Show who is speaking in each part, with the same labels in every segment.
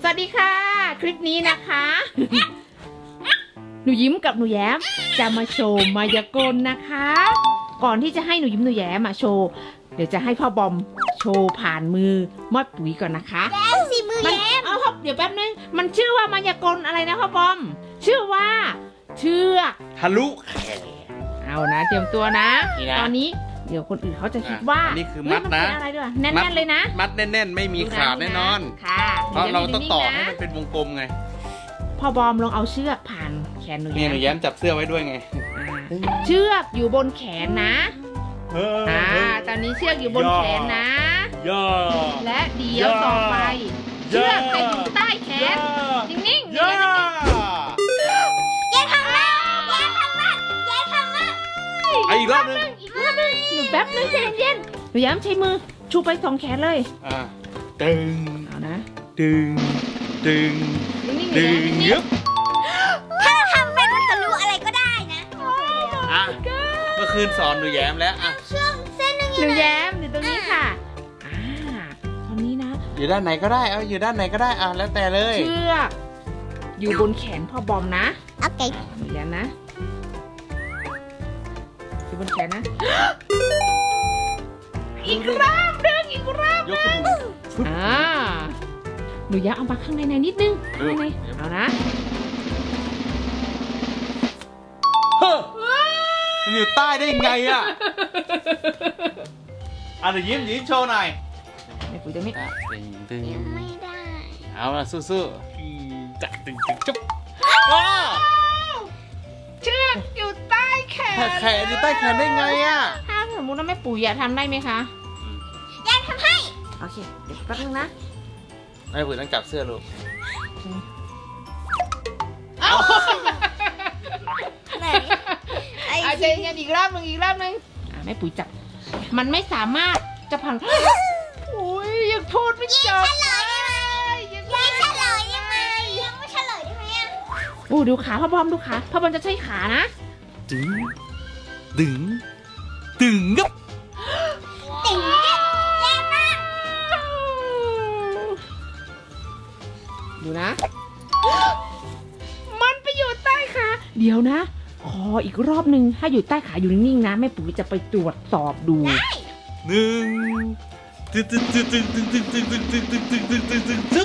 Speaker 1: วัสดีค่ะคลิปนี้นะคะ หนูยิ้มกับหนูแย้มจะมาโชว์มายากลนะคะ ก่อนที่จะให้หนูยิ้มหนูแย้มมาโชว์เดี๋ยวจะให้พ่อบอมโชว์ผ่านมือมอดปุ๋ยก่อนนะคะ
Speaker 2: แล้วสิมือแย้ม
Speaker 1: เอาครับเดี๋ยวแป๊บนึงมันชื่อว่ามายากลอะไรนะพ่อบอมชื่อว่าเชือก
Speaker 3: ทะลุแขน
Speaker 1: เอานะเตรียมตัวนะ
Speaker 3: นี่นะ
Speaker 1: ตอนนี้เดี๋ยวคนอื่นเขาจะคิดว่า
Speaker 3: อันนี้คือมัดนะ
Speaker 1: เฮ้ยมันเป็นอะไรด้วยแน่นๆเลยนะ
Speaker 3: มัดแน่นๆ ไม่มีขาดแน่นอน
Speaker 1: ค่ะ
Speaker 3: เพราะเราต้องต่อให้
Speaker 1: นิ่งๆ
Speaker 3: มันเป็นวงกลมไง
Speaker 1: พ่อบอมลองเอาเชือกผ่านแขนหนู
Speaker 3: นี่หนูแย้มจับเสื้อไว้ด้วยไง
Speaker 1: เชือกอยู่บนแขนนะตอนนี้เชือกอยู่บนแขนนะ
Speaker 3: ย่อ
Speaker 1: และเดี๋ยวต่อไป เชือกจะอยู่ใต้แขนนิ่งๆ
Speaker 3: ย่อ
Speaker 2: แย้มทำมาแย้มทำมาแย้มทำมา
Speaker 3: เอาอีกรอบนึง
Speaker 1: อีกรอบนึงหนูแป๊บนึงใจเย็นๆหนูย้ำใช้มือชูไปสองแขนเลย
Speaker 3: ตึง
Speaker 1: เอานะ
Speaker 3: ดึงดึง
Speaker 1: นิ่งๆ
Speaker 3: ดึง
Speaker 1: นิ่ง
Speaker 3: ยึบ
Speaker 2: ถ้าทำเป็นทะลุอะไรก็ได้นะ
Speaker 3: อ่ะเมื่อคืนสอนหนูแย้มแล้วอ่ะ
Speaker 2: เชือกเส้นหนึง
Speaker 1: หนูแย้มอยู่ตรงนี้ค่ะตอนนี้นะ
Speaker 3: อยู่ด้านไหนก็ได้เอาอยู่ด้านไหนก็ได้อ่ะแล้วแต่เลย
Speaker 1: เชือกอยู่บนแขนพ่อบอมนะ
Speaker 2: โอเค
Speaker 1: หนูแย้มนะอยู่บนแขนนะ อีกรอบนึงอีกรอบ
Speaker 3: ยกขึ้น
Speaker 1: หนูย้มเอามาข้างในนิดนึงข้างในเอานะ
Speaker 3: เฮ้อมันอยู่ใต้ได้ยังไงอ่ะอ่ะเดี๋ยวยิ้มโชว์หน่อย
Speaker 1: ในปุ๋ยจะไม่
Speaker 3: ตึง
Speaker 2: ยังไม่ได้
Speaker 3: เอาละสู้ๆจัดตึงจุ๊บ
Speaker 1: เชือกอยู่ใต้แขน
Speaker 3: แขนอยู่ใต้แขนได้ไงอ่ะ
Speaker 1: ถ้าสมมติว่าแม่ปุ๋ยอยากทำได้ไหมคะ
Speaker 2: แย้มทำให้
Speaker 1: โอเคเดี๋ยวแป๊บนึงนะ
Speaker 3: ไม่ปุ๋ยต้องจับเสื้อลูก
Speaker 1: เอา
Speaker 2: ไหนไอ้
Speaker 1: เอาใจเย็นอีกรอบนึงแม่ปุ๋ยจับมันไม่สามารถจะพังอุ้ยยังพูดไม่จบเลยยัง
Speaker 2: แย้มเฉลยได้ไหมยังไม่เฉลยได้ไหมอ่ะ
Speaker 1: โอ้ดูขาพ่อบอมดูขาพ่อบอมจะใช้ขานะ
Speaker 3: ดึงดึงดึงงับ
Speaker 2: ติ๋งแย้มมาก
Speaker 1: ดูนะ มันไปอยู่ใต้ขาเดี๋ยวนะ ขออีกรอบนึงถ้าอยู่ใต้ขาอยู่นิ่งๆนะแม่ปุ๋ยจะไปตรวจสอบดู
Speaker 3: หนึ่งตึ๊ดตึ๊ดตึ๊ดตึ๊ดตึ๊ดตึ๊ดตึ๊ดตึ๊ดตึ๊ดตึ๊ดตึ๊ดตึ๊ดตึ๊ดตึ๊ดตึ๊ด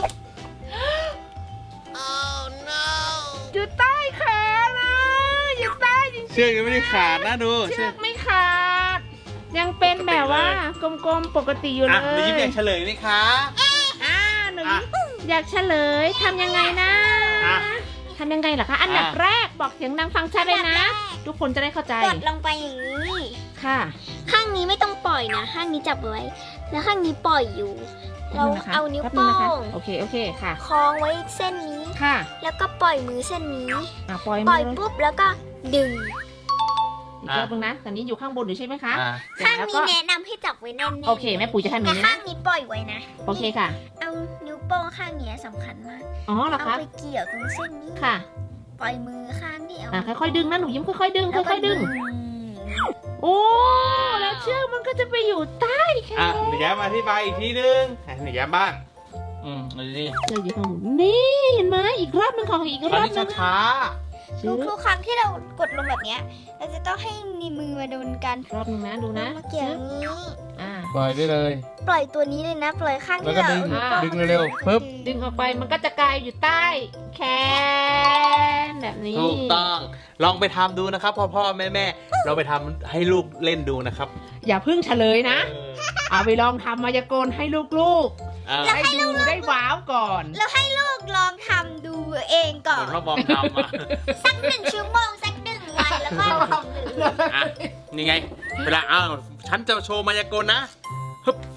Speaker 1: อยู่ใต้ขานะอยู่ใต้จริง
Speaker 3: เชือกยังไม่ได้ขาดนะดู
Speaker 1: ๆเชือกไม่ขาด ยังเป็นแบบว่ากลมๆปกติอยู่เล
Speaker 3: อ่ะหนูยิ้มอย ยากเฉลยไหมคะ
Speaker 1: หนูยิ้มอยากเฉลยทำยังไงนะ
Speaker 3: อ่ะ
Speaker 1: ทำยังไงเหรอคะอันดับแรกบอกเสียงดังฟังชัดเลยนะ ทุกคนจะได้เข้าใจ
Speaker 2: กดลงไปอย่างนี้
Speaker 1: ค่ะ
Speaker 2: ข้างนี้ไม่ต้องปล่อยนะ ข้างนี้จับไว้ แล้วข้างนี้ปล่อยอยู่ เรา
Speaker 1: แป๊บนึงนะคะ
Speaker 2: เอานิ้ว
Speaker 1: แป๊บ
Speaker 2: โป้
Speaker 1: นึนะคะ
Speaker 2: ง
Speaker 1: โอเคค่ะ
Speaker 2: คล้องไว้เส้นนี้
Speaker 1: ค่ะ
Speaker 2: แล้วก็ปล่อยมือเส้นนี้
Speaker 1: ปล่อย
Speaker 2: ปล่อย
Speaker 1: มือ
Speaker 2: ปุ๊บแล้วก็ดึง
Speaker 1: อีกรอบนึงนะตอนนี้อยู่ข้างบนอยู่ใช่ไหมคะ
Speaker 3: อ่ะ
Speaker 1: เสร็จ
Speaker 2: ข้าง
Speaker 1: แล้ว
Speaker 2: นี้
Speaker 1: ก็
Speaker 2: แนะนำให้จับไว้แน่นๆ
Speaker 1: โอเคแม่ปุ๋ยจะทำอย่าง
Speaker 2: แต่
Speaker 1: นี้
Speaker 2: ข้า
Speaker 1: นะ
Speaker 2: งนี้ปล่อยไว้นะ
Speaker 1: โอเคค่ะ
Speaker 2: เอานิ้วโป้งข้างนี้สำคัญมาก
Speaker 1: อ๋อเหรอ
Speaker 2: เอา
Speaker 1: คะ
Speaker 2: ไปเกี่ยวตรงเส้นนี้
Speaker 1: ค่ะ
Speaker 2: ปล่อยมือข้างที่เอา
Speaker 1: ค่อยๆดึงนะหนูยิ้มค่อยๆดึง
Speaker 2: แล้วก็
Speaker 1: ค่อยๆดึง โอ้แล้วเชือกมันก็จะไปอยู่ใต้แข
Speaker 3: อ่ะ
Speaker 1: น
Speaker 3: หนูแย้มอธิบายอีกทีนึงให้หนูแย้มบ้างดูดิ
Speaker 1: เชือกอยู่ข้างบนนี่เห็นไหมอีกรอบนึงของอีก
Speaker 3: ต
Speaker 1: ร
Speaker 3: อน
Speaker 1: อบ
Speaker 3: นี้
Speaker 1: นึง
Speaker 3: ช้า
Speaker 1: ชือก
Speaker 2: ทุกๆครั้งที่เรากดลงแบบเนี้ยเราจะต้องให้นิ้วมือมาโดนกัน
Speaker 1: รอบนึงนะดูนะ
Speaker 2: มาเกี่ยวอย่างนี้
Speaker 1: อ่า
Speaker 3: ปล่อยได้เลย
Speaker 2: ปล่อยตัวนี้เลยนะ ปล่อยข้าง
Speaker 3: แล้ว
Speaker 2: ที่
Speaker 3: ก็
Speaker 2: เรา
Speaker 3: ดึง
Speaker 2: เอา
Speaker 3: ดึงเร็วๆปึ๊บ
Speaker 1: ดึงออกไปมันก็จะกลายอยู่ใต้แขนแบบนี้
Speaker 3: ถูกต้องลองไปทำดูนะครับพ่อแม่เราไปทำให้ลูกเล่นดูนะครับ
Speaker 1: อย่าเพิ่งเฉลยนะ เอาไปลองทำมายากลให้ลูก
Speaker 3: เออ
Speaker 1: ๆให้ดูได้ว้าวก่อน
Speaker 2: เราให้ลูกลองทำดูเองก่อ
Speaker 3: เหมื
Speaker 2: น
Speaker 3: อนพ่อบอมทำอ่ะ
Speaker 2: สัก1 ชั่วโมงสัก1 วันแล้วก็ลองดู
Speaker 3: อ่ะนี่ไงเวลาฉันจะโชว์มายากลนะฮึบ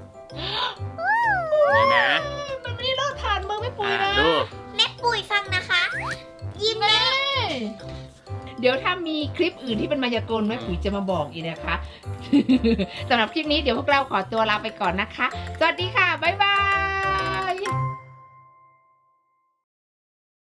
Speaker 3: นี่นะ
Speaker 1: มันไม่เลิกผ่านมือไม่ปุ๋ยนะ
Speaker 3: ดู
Speaker 2: แม่ปุ๋ยฟังนะคะ ยิ้มแม่
Speaker 1: เดี๋ยวถ้ามีคลิปอื่นที่เป็นมายากลแม่ปุ๋ยจะมาบอกอีกนะคะ สำหรับคลิปนี้เดี๋ยวพวกเราขอตัวลาไปก่อนนะคะ สวัสดีค่ะ บ๊ายบาย